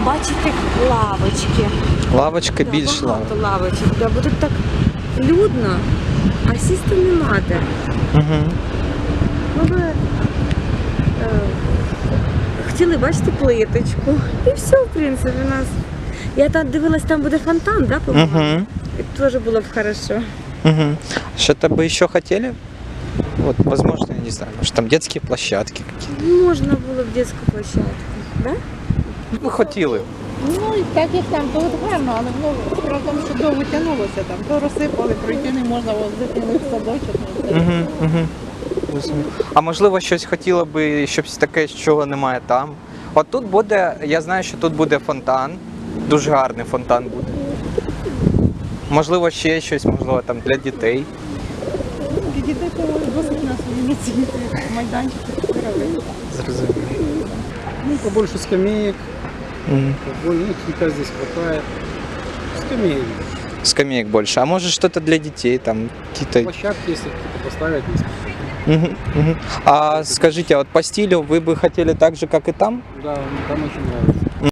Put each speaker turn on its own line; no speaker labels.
побачити лавочки.
Лавочка більше.
Багато лавочок, бо тут так людно, а сісти нема де.
Угу.
Ми хотіли бачити плиточку. І все, в принципі, у нас. Я там дивилась, там буде фонтан, да, по-моєму?
Угу.
І теж було б хорошо.
Угу. Что-то бы еще хотели? Вот, возможно, я не знаю, может там детские площадки какие-то.
Можна було б дитячу площадку, да?
Ми хотіли.
Ну, і так як там, то от гарно, але справа в тому, що довго тягнулося там, то розсипали, пройти не можна, ось дитини в садочок.
Угу, угу. А можливо, щось хотіло би, щось таке, чого немає там. От тут буде, я знаю, що тут буде фонтан, дуже гарний фонтан буде. Можливо, ще щось, можливо, там для дітей.
Для дітей то досить нас ініціювати майданчик робити.
Зрозуміло.
Ну, побольше скамеек,
Мгм.
хика здесь хватает. Скамеек.
Скамеек больше. А может что-то для детей, там какие-то...
Площадки, если кто-то поставить несколько.
Мгм, мгм. А скажите, а вот по стилю вы бы хотели так же, как и там?
Да, там очень нравится.